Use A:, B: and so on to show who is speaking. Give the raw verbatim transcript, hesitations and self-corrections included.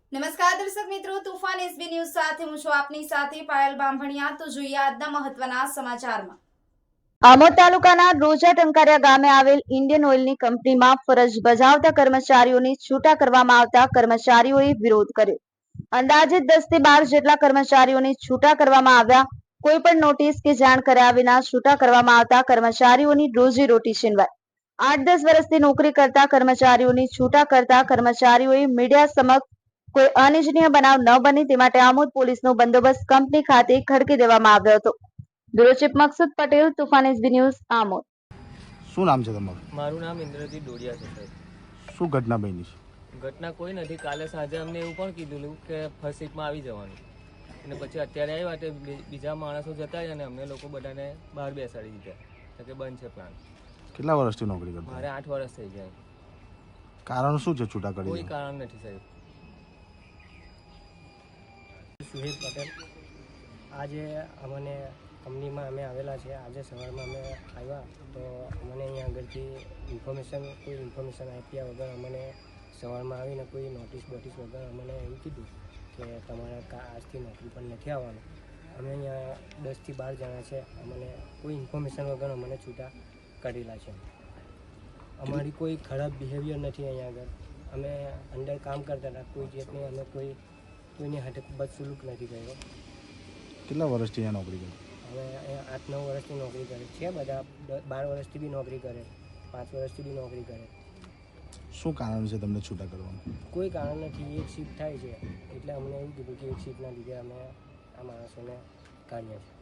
A: નમસ્કાર દર્શક મિત્રો, તુફાન એસબી ન્યૂઝ સાથે હું છું આપની સાથે પાયલ બામભણિયા। તો જોઈએ આજના મહત્વના સમાચારમાં।
B: આમોદ તાલુકાના રોજા ટંકારિયા ગામે આવેલ ઇન્ડિયન ઓઇલની કંપનીમાં ફરજ બજાવતા કર્મચારીઓની છૂટા કરવામાં આવતા કર્મચારીઓએ વિરોધ કર્યો। અંદાજિત દસ થી બાર જેટલા કર્મચારીઓની છૂટા કરવામાં આવ્યા। કોઈ પણ નોટિસ કે જાણ કર્યા વિના છૂટા કરવામાં આવતા કર્મચારીઓની રોજી રોટી છીનવાઈ। આઠ દસ વર્ષથી નોકરી કરતા કર્મચારીઓની છૂટા કરતા કર્મચારીઓએ મીડિયા સમક્ષ કોઈ અનિચ્છનીય બનાવ ન બને તે માટે આમોદ પોલીસનો બંદોબસ્ત કંપની ખાતે ખડકી દેવામાં આવ્યો હતો। Bureau chief Maqsood Patel, Toofan SB news, Amod.
C: શું નામ છે તમારું?
D: મારું નામ ઇન્દ્રજીત ડોડિયા છે સાહેબ।
C: શું ઘટના બની છે?
D: ઘટના કોઈ નથી। કાલે સાંજે અમને એવું પણ કીધું કે ફર્સ્ટ સીટમાં આવી જવાનું, અને પછી અત્યારે આવ્યા તે બીજા માણસો જતા રહ્યા અને અમને લોકો બધાને બહાર બેસાડી દીધા કે બંધ છે પ્લાન।
C: કેટલા વર્ષથી નોકરી કરતા?
D: મારે આઠ વર્ષ થઈ ગયા।
C: કારણ શું છે છૂટા કરી?
D: કોઈ કારણ નથી સાહેબ।
E: સુહેલ પટેલ। આજે અમને કંપનીમાં અમે આવેલા છે। આજે સવારમાં અમે આવ્યા તો અમને અહીંયા આગળથી ઇન્ફોર્મેશન કોઈ ઇન્ફોર્મેશન આપ્યા વગર અમને સવારમાં આવીને કોઈ નોટિસ બોટિસ વગર અમને એવું કીધું કે તમારે આજથી નોકરી પર નથી આવવાનું। અમે અહીંયા દસથી બાર જણા છે, અમને કોઈ ઇન્ફોર્મેશન વગર અમને છૂટા કરેલા છે। અમારી કોઈ ખરાબ બિહેવિયર નથી અહીંયા આગળ। અમે અંદર કામ કરતા હતા, કોઈ જાતની અમે કોઈ કોઈની હાથે બદસલુક નથી કર્યો।
C: કેટલા વર્ષથી અહીંયા નોકરી કરી?
E: હવે અહીંયા આઠ નવ વર્ષથી નોકરી કરે છે, બધા બાર વર્ષથી બી નોકરી કરે, પાંચ વર્ષથી બી નોકરી કરે।
C: શું કારણ છે તમને છૂટા કરવાનું?
E: કોઈ કારણ નથી। એક શિફ્ટ થાય છે એટલે અમને એવું કીધું કે એક શિફ્ટના લીધે અમે આ માણસોને કાઢ્યા છે।